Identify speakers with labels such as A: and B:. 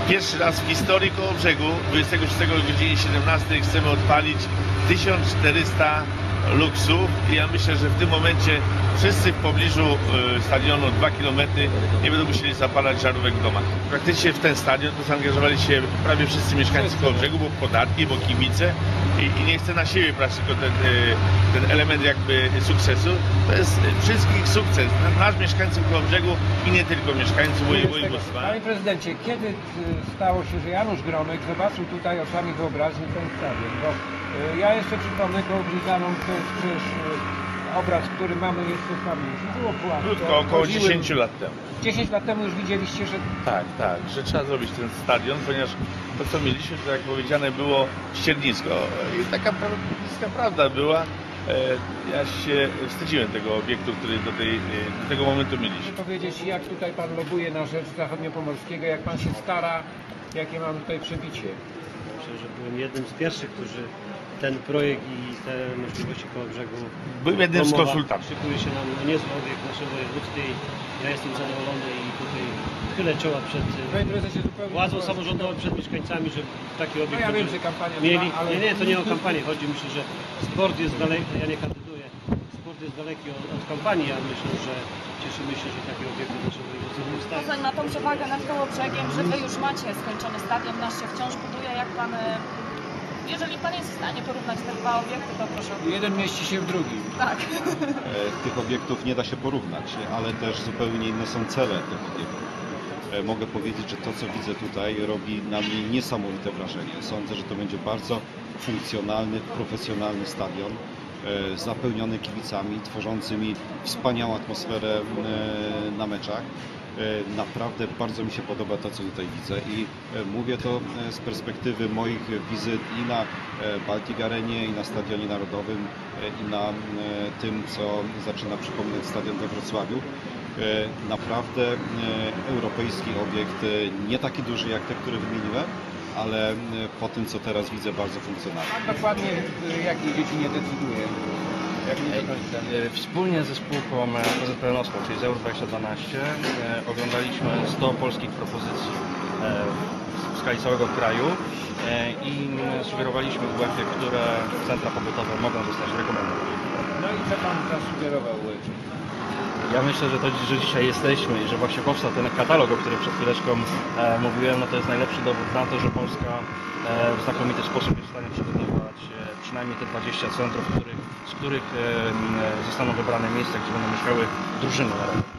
A: Pierwszy raz w historii Kołobrzegu 26 o godzinie 17 chcemy odpalić 1400 luksów i ja myślę, że w tym momencie wszyscy w pobliżu stadionu 2 km nie będą musieli zapalać żarówek w domach. Praktycznie w ten stadion to zaangażowali się prawie wszyscy mieszkańcy Kołobrzegu, bo podatki, bo kibice i nie chcę na siebie brać tylko ten element jakby sukcesu. To jest wszystkich sukces, nasz mieszkańców Kołobrzegu i nie tylko mieszkańców województwa.
B: Panie prezydencie, kiedy stało się, że Janusz Gromek zobaczył tutaj oczami wyobraźni ten stadion? Bo ja jeszcze przypomnę Kołobrzeganom, to jest przecież obraz, który mamy jeszcze w pamięci. Było płatko.
A: Krótko, około 10 lat temu.
B: 10 lat temu już widzieliście, że...
A: Tak, że trzeba zrobić ten stadion, ponieważ to co mieliśmy, to jak powiedziane było ściernisko i taka bliska prawda była. Ja się wstydziłem tego obiektu, który do tego momentu mieliśmy.
B: Chcę powiedzieć, jak tutaj pan lobuje na rzecz zachodniopomorskiego, jak pan się stara, jakie mam tutaj przebicie.
C: Myślę, że byłem jednym z pierwszych, którzy ten projekt i te możliwości Kołobrzegu
A: Byłem jednym z konsultantów.
C: Szykuje się nam niezły obiekt w naszym województwie i ja jestem zadowolony i tutaj chylę czoła przed władzą samorządową, przed mieszkańcami, że taki obiekt
B: ja wiem, że kampania
C: mieli.
B: trwa, ale...
C: Nie, to nie o kampanię chodzi. Myślę, że sport jest daleki, ja nie kandyduję, sport jest daleki od kampanii, ja myślę, że cieszymy się, że takie obiekty w naszym województwie powstają.
D: Poza na tą przewagę nad Kołobrzegiem, że wy już macie skończony stadion, nasz się wciąż buduje, jak pan... Jeżeli pan jest w stanie porównać te dwa obiekty, to proszę.
B: Jeden mieści się w drugim.
D: Tak.
E: Tych obiektów nie da się porównać, ale też zupełnie inne są cele tych obiektów. Mogę powiedzieć, że to, co widzę tutaj, robi na mnie niesamowite wrażenie. Sądzę, że to będzie bardzo funkcjonalny, profesjonalny stadion, zapełniony kibicami, tworzącymi wspaniałą atmosferę na meczach. Naprawdę bardzo mi się podoba to, co tutaj widzę i mówię to z perspektywy moich wizyt i na Baltic Arenie, i na Stadionie Narodowym, i na tym, co zaczyna przypominać stadion we Wrocławiu. Naprawdę europejski obiekt, nie taki duży jak te, które wymieniłem, ale po tym, co teraz widzę, bardzo funkcjonalny.
B: A dokładnie w jakiej dziedzinie decyduje? Jak nie do końca.
F: Wspólnie ze spółką PZPN-owską, czyli z Euro 2012, oglądaliśmy 100 polskich propozycji w skali całego kraju i sugerowaliśmy UEFA, które centra pobytowe mogą zostać rekomendowane.
B: No i co pan zasugerował?
F: Ja myślę, że to, że dzisiaj jesteśmy i że właśnie powstał ten katalog, o którym przed chwileczką mówiłem, no to jest najlepszy dowód na to, że Polska w znakomity sposób jest w stanie przygotować przynajmniej te 20 centrów, z których zostaną wybrane miejsca, gdzie będą mieszkały drużyny narodowe.